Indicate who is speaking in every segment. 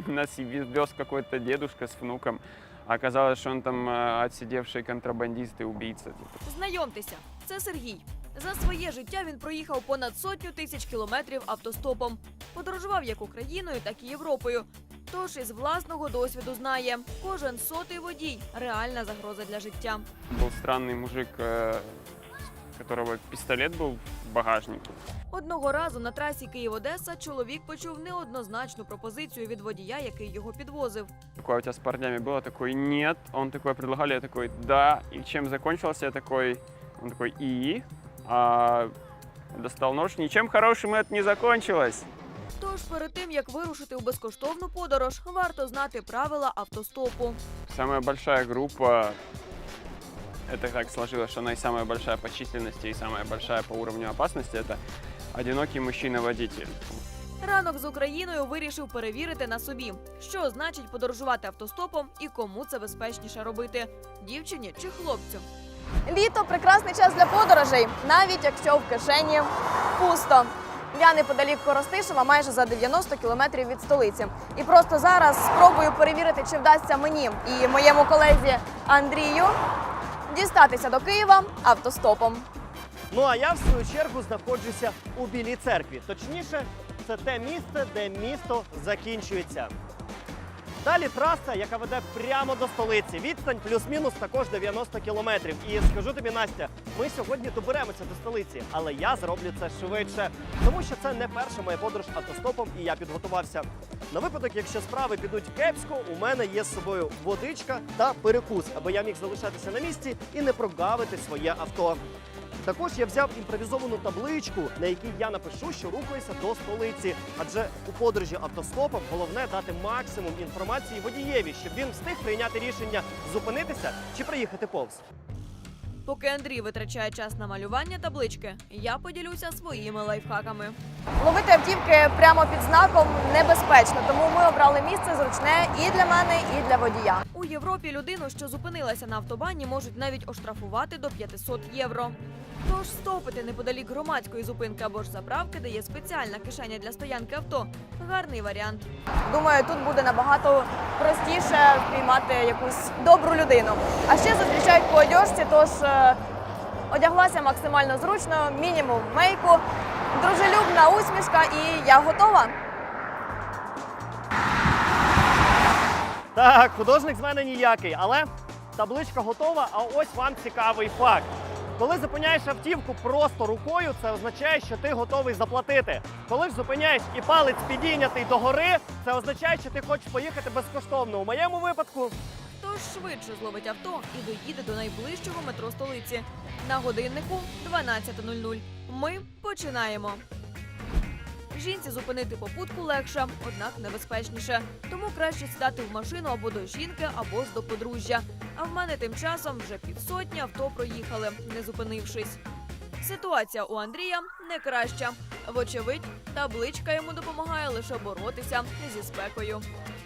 Speaker 1: нас вез какой-то дедушка с внуком. А оказалось, что он там отсидевший контрабандист и убийца.
Speaker 2: Знайомтеся, це Сергій. За своє життя він проїхав понад 100 тисяч кілометрів автостопом. Подорожував як Україною, так і Європою. Тож із власного досвіду знає, кожен 100-й водій – реальна загроза для життя.
Speaker 1: Был странный мужик, у которого пистолет был в багажнике.
Speaker 2: Одного разу на трасі Київ-Одеса чоловік почув неоднозначну пропозицію від водія, який його підвозив.
Speaker 1: Такое у тебя с парнями было? Такой, нет. Он такой, предлагали, я такой, да. И чем закончился, я такой, он такой, и? Достал нож. Ничем хорошим это не закончилось.
Speaker 2: Тож перед тим, як вирушити у безкоштовну подорож, варто знати правила автостопу.
Speaker 1: Самая большая группа, это так сложилось, что она и самая большая по численности, и самая большая по уровню опасности, это одинокий мужчина-водитель.
Speaker 2: Ранок з Україною вирішив перевірити на собі, що значить подорожувати автостопом і кому це безпечніше робити – дівчині чи хлопцю.
Speaker 3: Літо – прекрасний час для подорожей, навіть якщо в кишені пусто. Я неподалік Коростишева, майже за 90 кілометрів від столиці. І просто зараз спробую перевірити, чи вдасться мені і моєму колезі Андрію дістатися до Києва автостопом.
Speaker 4: Ну а я, в свою чергу, знаходжуся у Білій церкві. Точніше, це те місце, де місто закінчується. Далі траса, яка веде прямо до столиці. Відстань плюс-мінус також 90 кілометрів. І скажу тобі, Настя, ми сьогодні доберемося до столиці, але я зроблю це швидше. Тому що це не перша моя подорож автостопом, і я підготувався. На випадок, якщо справи підуть кепсько, у мене є з собою водичка та перекус, аби я міг залишатися на місці і не прогавити своє авто. Також я взяв імпровізовану табличку, на якій я напишу, що рухаюся до столиці. Адже у подорожі автостопом головне дати максимум інформації водієві, щоб він встиг прийняти рішення зупинитися чи приїхати повз.
Speaker 2: Поки Андрій витрачає час на малювання таблички, я поділюся своїми лайфхаками.
Speaker 3: Ловити автівки прямо під знаком небезпечно, тому ми обрали місце зручне і для мене, і для водія.
Speaker 2: У Європі людину, що зупинилася на автобані, можуть навіть оштрафувати до 500 євро. Тож стопити неподалік громадської зупинки або ж заправки, де є спеціальна кишеня для стоянки авто – гарний варіант.
Speaker 3: Думаю, тут буде набагато простіше впіймати якусь добру людину. А ще зустрічають по одежці, тож одяглася максимально зручно, мінімум мейку, дружелюбна усмішка і я готова.
Speaker 4: Так, художник з мене ніякий, але табличка готова, а ось вам цікавий факт. Коли зупиняєш автівку просто рукою, це означає, що ти готовий заплатити. Коли ж зупиняєш і палець підійнятий догори, це означає, що ти хочеш поїхати безкоштовно. У моєму випадку...
Speaker 2: Тож швидше зловить авто і доїде до найближчого метро столиці. На годиннику 12:00. Ми починаємо. Жінці зупинити попутку легше, однак небезпечніше. Тому краще сідати в машину або до жінки, або ж до подружжя. А в мене тим часом вже півсотні авто проїхали, не зупинившись. Ситуація у Андрія не краща. Вочевидь, табличка йому допомагає лише боротися зі спекою.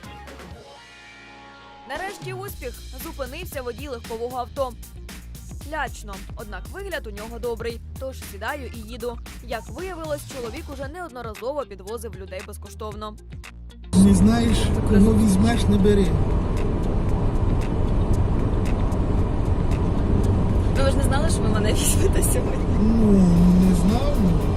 Speaker 2: Нарешті успіх. Зупинився водій легкового авто. Лячно, однак вигляд у нього добрий, тож сідаю і їду. Як виявилось, чоловік уже неодноразово підвозив людей безкоштовно.
Speaker 5: Не знаєш, кого візьмеш, не бери.
Speaker 2: Ви ж не знали, що ви мене візьмете сьогодні?
Speaker 5: Ну, не знав.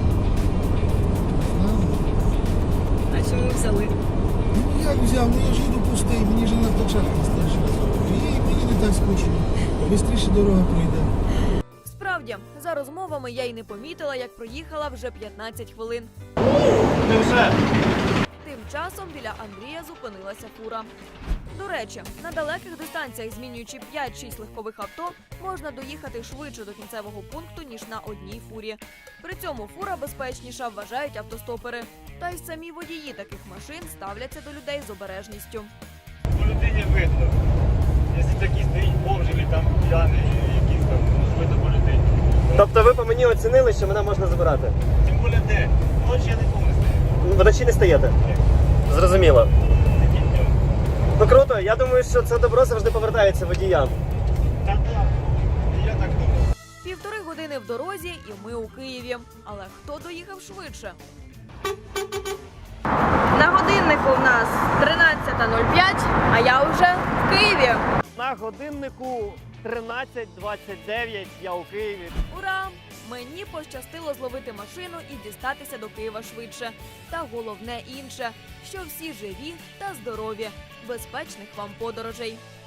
Speaker 2: А чому взяли?
Speaker 5: Ну, як взяв? Ну, я ж їду пустий, мені ж на авточарку старший. І мені не так скучно. Бистріше дорога пройде.
Speaker 2: Справді, за розмовами я й не помітила, як проїхала вже 15 хвилин.
Speaker 4: Невже?
Speaker 2: Тим часом біля Андрія зупинилася фура. До речі, на далеких дистанціях, змінюючи 5-6 легкових авто, можна доїхати швидше до кінцевого пункту, ніж на одній фурі. При цьому фура безпечніша, вважають автостопери. Та й самі водії таких машин ставляться до людей з обережністю.
Speaker 6: По людині видно. Якщо такий стоїть бомжик, там п'яний, якийсь там, видно по людині.
Speaker 4: Тобто ви по мені оцінили, що мене можна забирати?
Speaker 6: Тим більше де? Ночі я не повністю.
Speaker 4: Вночі не стаєте?
Speaker 6: Ні.
Speaker 4: Зрозуміло.
Speaker 6: Такі днем.
Speaker 4: Ну круто, я думаю, що це добро завжди повертається водіям.
Speaker 6: Так, і я так думаю.
Speaker 2: 1,5 години в дорозі і ми у Києві. Але хто доїхав швидше? На годиннику в нас
Speaker 3: я вже в Києві.
Speaker 4: На годиннику 13:29 я у Києві.
Speaker 2: Ура! Мені пощастило зловити машину і дістатися до Києва швидше. Та головне інше, що всі живі та здорові. Безпечних вам подорожей!